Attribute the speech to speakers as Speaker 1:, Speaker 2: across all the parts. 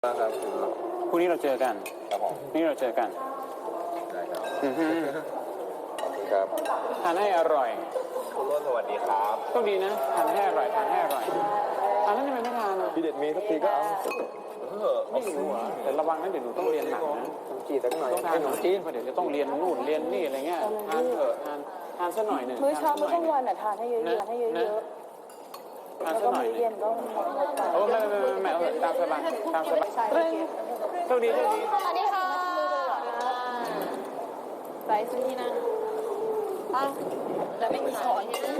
Speaker 1: ครับพรุ่งนี้เราเจอกันครับผมพรุ่งนี้เราเจอกันได้ครับขอบคุณครับทานให้อร่อยคุณรุ่นสวัสดีครับโชคดีนะทานให้อร่อยทานให้อร่อยทานแล้วทำไมไม่ทานพี่เด็ดมีทุกทีก็เอาไม่รู้อ่ะแต่ระวังนะเดี๋ยวหนูต้องเรียนหนักนะขนมจีนสักหน่อยต้องทานขนมจีนเพราะเดี๋ยวจะต้องเรียนนู่นเรียนนี่อะไรเงี้ยทานเถอะทานสักหน่อยหนึ่ง
Speaker 2: มื้อเช้ามื้อกลางวันทานให้เยอะๆให้เยอะๆแล้วก็มื้อเย็นก็
Speaker 1: โอ้ไม่เอาตามสบายตามสบายโชคดีโชคดี
Speaker 2: สวัสดีค่ะไปซื้อที่นั่นแต่ไม่มีช้อนที่นั่น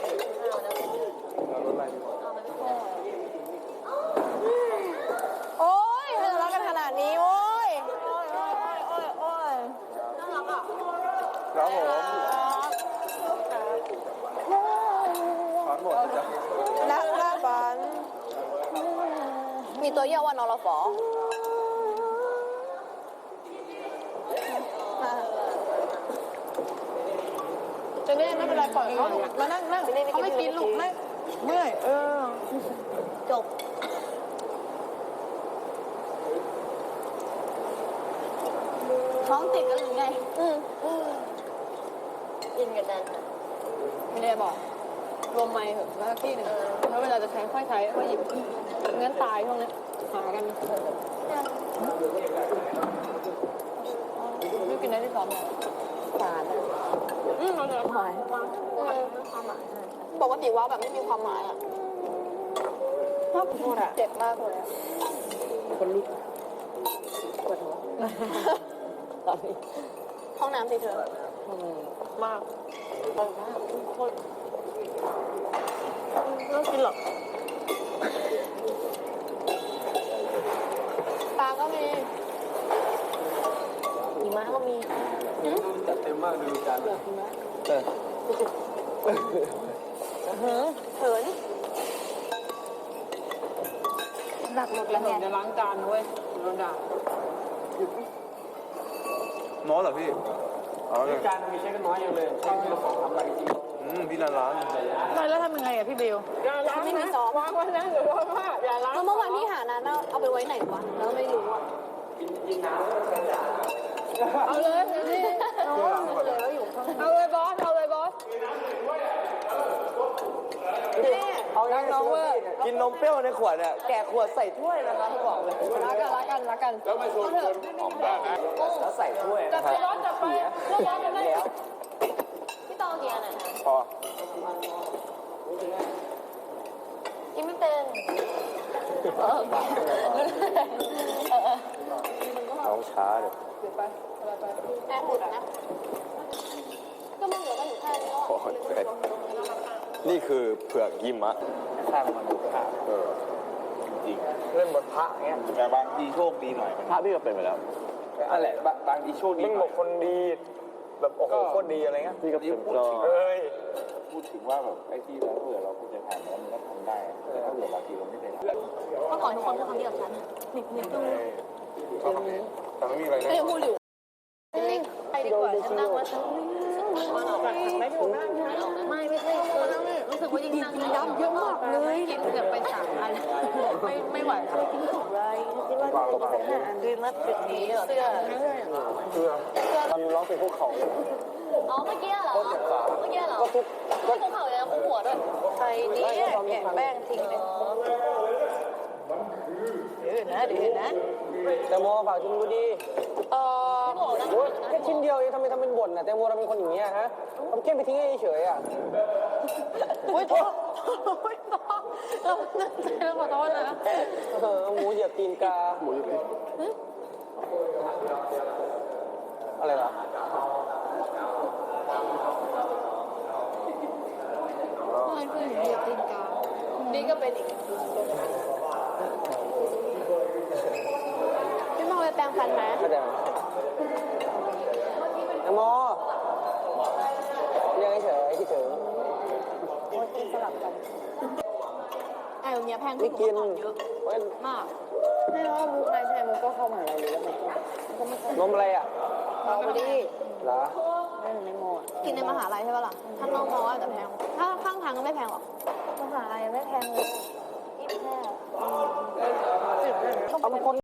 Speaker 2: โอ้ยทะเลาะกันขนาดนี้โอ้ยน่ารักอ่ะ
Speaker 1: ครับผมขอหมดจ้ะ
Speaker 2: นักฝันมีตัวย่อว่านรฝจะนี่ไม่เป็นไรปล่อยเขามานั่งเขาไม่กินลูกไม่เมื่อยจบท้องติดกันหรือไงกินกันนั่นไม่ได้บอกรวมไม้เหอะแล้วที่หนึ่งแล้วเวลาจะใช้ค่อยใช้ค่อยหยิบงั้นตายพวกนี้หากันไม่กินได้ที่สองเลยสารเราจะหมายปกติว่าแบบไม่มีความหมายอ่ะชอบพูดอ่ะเจ็บมากเลยคนลุกปวดหัวตอนนี้ห้องน้ำสิเธอมากโคตรไม่ต้องกินหรอกปลาก็มีหิมะก็มี
Speaker 1: จัดเต็มมากดูจาน
Speaker 2: หิมะเขินหนักหมดแล้วเนี่ยจะล้างจานเว้ยโดนด่า
Speaker 1: น้อยเหรอพี่
Speaker 3: จานมีเช็คน้อยอย่างเลยเช็คที่เราขอทำอะไรจริง
Speaker 1: พี่ร้าน
Speaker 2: ไม่แล้วทำยังไงอ่ะพี่บิวอย่าล้างไม่มีซอสวางไว้นะหรือว่าอย่าล้างเมื่อวานพี่หานั้นเอาไปไว้ไหนวะแล้วไม่รู้อ่ะ
Speaker 3: กินน้ำ
Speaker 2: เอาเลยนี่เอาเลยบอสเอาเลยบอส
Speaker 3: เอางั้นน้องเว้ยกินนมเปรี้ยวในขวดเนี่ยแกะขวดใส่ถ้วยนะคะเขาบอกเลย
Speaker 2: รักกัน
Speaker 1: แล้วไม่ชวนคนหอมได้นะ
Speaker 3: แล้วใส่ถ้วย
Speaker 2: จับไปร้อนจับไปร้อนกันได้แล้วพี่ตองเกียร์ไหน
Speaker 1: พอ
Speaker 2: กินไม่เป็น
Speaker 1: น้องช้าเดี๋ยว
Speaker 2: แอบหมดนะก็มันเหลือกันอยู่แค่นี้
Speaker 1: นี่คือเผือกยิมะ
Speaker 3: สร้างมันดูขา
Speaker 1: จริง
Speaker 3: เล่นบนพระเงี้ย
Speaker 1: แต่บางทีโชคดีหน่อยพระพี่ก็เป็นไปแล้ว
Speaker 3: นั่นแหละบางทีโชคดีมึงบอกคนดีแบบโอ้โหโคตรดีอะไรเงี้ย
Speaker 1: พี่ก็เป็น
Speaker 3: พูดถึงว่าแบบไอ้ที่เราเผื่อเราควรจะทำแล้วมันก็ทำได้แต่ถ้าเผื่อบางทีเราไม่ได้
Speaker 2: เมื่อก่อนทุกคนก็ทำดีกับฉันนิดดู
Speaker 1: แต่ไม่มีอะไร
Speaker 2: ไม่พูดอยู่ไปดีกว่าฉันนั่งแล้วฉันไม่ใช่รู้สึกว่ายิ่งนั่งยิ่งดำเยอะมากเลยกินเกือบไป3 อันไม่ไหวแล้วกินถูกเลยคิดว่าจะกินสัก5 อันคือมัดจุดนี้เสื้อ
Speaker 3: ตอนร้องเพลงพวกเขา
Speaker 2: อ๋อเมื่อกี้เหรอก็ทุกเข่าเลยคู่หัวด้วยใครนี่แกะแป้งทิ้งเลยเดี๋ยวนะ
Speaker 3: แตงโมฝากชิมดูดีแค่ชิ้นเดียวเองทำไมทำเป็นบ่นน่ะแตงโมเราเป็นคนอย่างเงี้ยฮะทำแค่ไปทิ้งเฉยๆอ่ะ
Speaker 2: โอ๊ยโทษเราตั้งใจเราขอโทษนะ
Speaker 3: หมูเหยียบตีนกา
Speaker 1: หมูเหยียบตีน
Speaker 3: อะไรล่ะ
Speaker 2: อะไรคือเหยียบตีนกานี่ก็เป็นอีกพี่มองไปแปรงฟันไหม
Speaker 3: ไม่ได้แตงโมเรียกเฉยคิดถึง
Speaker 2: กินสลับกันไอ้เนี้ยแพง
Speaker 3: ไม่กิน
Speaker 2: เยอะมากไม่ว่ามุกอะไรใช่มุกก็เข้ามาอะไรเลยแล้วมันก็ไม่
Speaker 3: นมอะไรอ่ะ
Speaker 2: เอาไปดิ
Speaker 3: เหรอ
Speaker 2: ไม่ในโมกินในมหาลัยใช่ป่ะล่ะถ้านอกมออาจจะแพงถ้าข้างทางก็ไม่แพงหรอกมหาลัยไม่แพงเลยที่แพง
Speaker 3: เอามาคน